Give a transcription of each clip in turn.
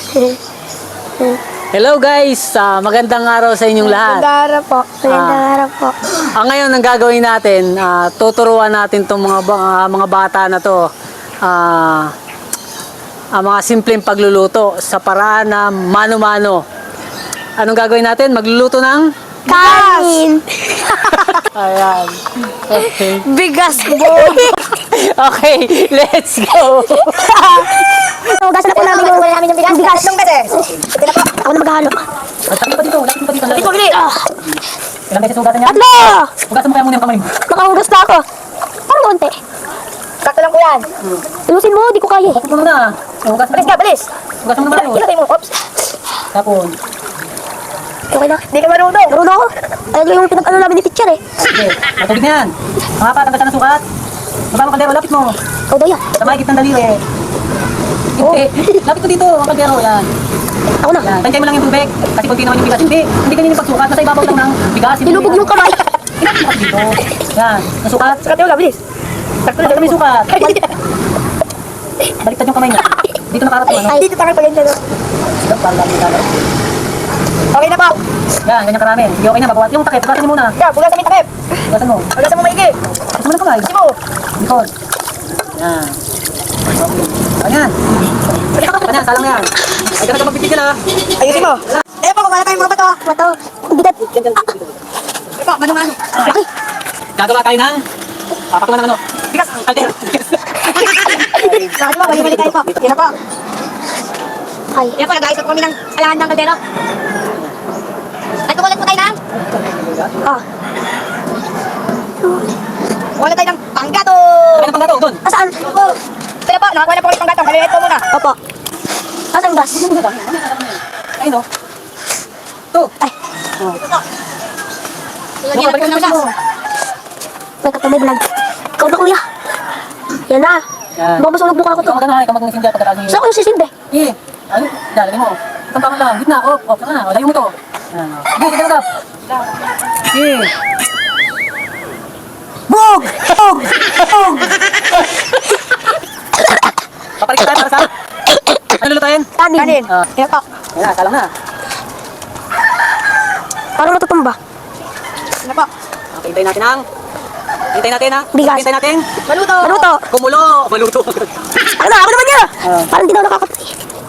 Hello guys, magandang araw sa inyong lahat. Magandang araw po. Magandang araw po. Ngayon ang gagawin natin, tuturuan natin itong mga bata na to. Ang mga simpleng pagluluto sa paraan na mano-mano. Anong gagawin natin? Magluluto ng Kanin! ayan. Okay. Bigas po! Okay, let's go. Hugasan na po namin yung bigas. Tatlong beses. Ako na maghalo. Lapit pa dito, lapit pa dito. Lapit po, bilis. Ilang beses hugasan niya? Tatlo! Hugasan mo kaya muna yung kamay mo. Nakahugas na ako. Parang konti. Sakto lang po yan. Ilusin mo, di ko kaya. Hugasan mo muna. Hugasan mo. Bilis ka, bilis. Hugasan mo naman. Ilagay mo. Oops. Tapos. Okay na. Di ka marunong. Marunong ako. Ayun yung pinag-ano namin ni teacher eh. Okay, matubig na yan. Mga pa, tanggasan ng sukat. Baba mo kaldero, lapit mo. Ikaw daw yan. Sa mahigit ng daliri. Hindi. Lapit mo dito, ang kaldero. Yan. Ako na. Yan. Tansay mo lang yung tubig. Kasi kunti naman yung bigas. Hindi ganyan yung pagsukat. Nasa ibabaw lang ng bigas. Nilubog yung kamay. Ilapit mo dito. Yan. Nasukat. Sukat yung bilis. Sakto Bakit may sukat? Baliktad yung kamay niya. Dito nakarating ano? Ay, dito tayo pa ganyan. Sige, para lang yung dalaw. Okay na po. Yan, ganyan karami. Sige, okay na. Babawas yung takip. Bukasan niyo muna. Yan, bugasan mo yung takip. Bukasan mo. Bugasan mo maigi. Bukasan mo na kamay. Kasi mo. Likod. Yan. Okay. Ganyan. Ganyan, salang yan. Ay, ganun ka magpipigil ha. Ayusin mo. Eh po, kumala tayong mga bato. Bato. Bigat. Eh po, manong-ano. Okay. Gagawa tayo ng papakulan ng ano? Bigas. Kaldero. Bakit mo, balik tayo po. Yan na po. Ay. Yan po, nag-aisot kami ng alahan ng kaldero. At kumulat po tayo ng? Ah. Kumulat tayo ng panggato. Ano pang gato? Doon. Asaan? Opo. Pero po, nakakuha na po ulit ng gatong. Kalilit po muna. Opo. Asaan gas? Ayun o. Ito. Ay. Oh. Lagyan natin ng gas. May katamay vlog. Ikaw na kuya. Yan na. Yan. Baka masunog mukha ko to. Ikaw magana, ikaw mag-sinja pagkatapos niyo. Saan ko yung sisindi? Eh, ano? Yan, lagyan mo. Itong tama lang. Gitna, off na. O, layo mo to. Yan, o. Sige, sige, lagap. Sige. Bog! Bog! Bog! Paparik tayo para sa... Ano lulutuin? Kanin. Kanin. Ah. Yan po. Yan na, salang na. Parang natutumba. Yan po. Okay, hintayin natin ang... Hintayin natin ang... Bigas. Hintayin natin. Maluto. Maluto. Kumulo. Maluto. Ano, ako naman niya. Ah. Parang di na ako nakakapay.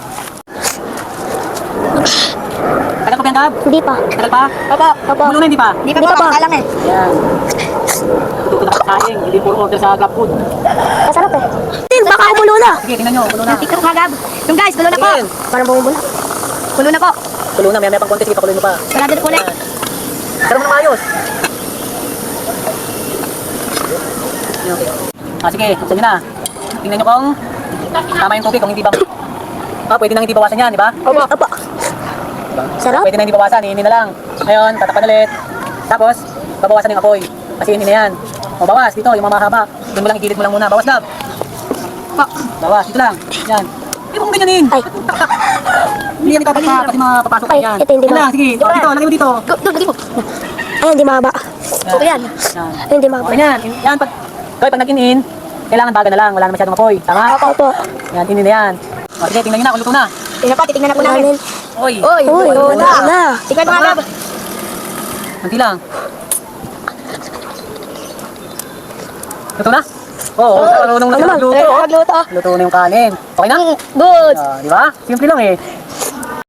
Tagal pa ba yan, Gab? Hindi pa. Tagal pa? Opo. Opo. Kumulo na, hindi pa? Hindi pa po. Alam eh. Yan. Tututo na kasaing. Hindi puro order sa Grab Food. Masarap eh. Baka umulo na. Sige, tingnan nyo. Kulo na. TikTok ha, Gab. Yung guys, kulo na po. Tingnan. Parang bumubula. Kulo na po. Kulo na. May pang konti. Sige, pakuloy mo pa. Sarado na po ulit. Pero mo na maayos. Okay. Sige, buksan nyo na. Tingnan nyo kung tama yung tubig, kung hindi ba... pwede nang hindi bawasan yan, di ba? Opo. Opo. Sarap. Pwede nang hindi bawasan, iinin na lang. Ngayon, tatakpan ulit. Tapos, babawasan yung apoy. Kasi iinin na yan. O, bawas, dito, yung mga mahaba. Doon mo lang, igilid mo lang muna. Bawas na. Bawas, dito lang. Yan. Hindi mo kung ganyanin. Ay. Hindi yan itatakpa kasi mapapasok Ay, yan. ito hindi Yan ba? lang, sige. O, dito, lagay mo dito. Doon, lagi mo. Ay, hindi mahaba. Okay yan. Yan. Ay, hindi mahaba. Okay yan. Yan, pag nag-in-in, kailangan baga na lang. Wala na masyadong apoy. Tama? Opo, opo. Yan, inin na yan. O, sige, tingnan nyo na, kung luto na. Tingnan po, titignan na po namin. Oy, Uy, luto na. Tingnan mo nga, Gab. Kunti lang. Luto na? Oo, marunong na Ano siya naman? magluto. Magluto. Luto na yung kanin. Okay na? Good. Di ba? Simple lang eh.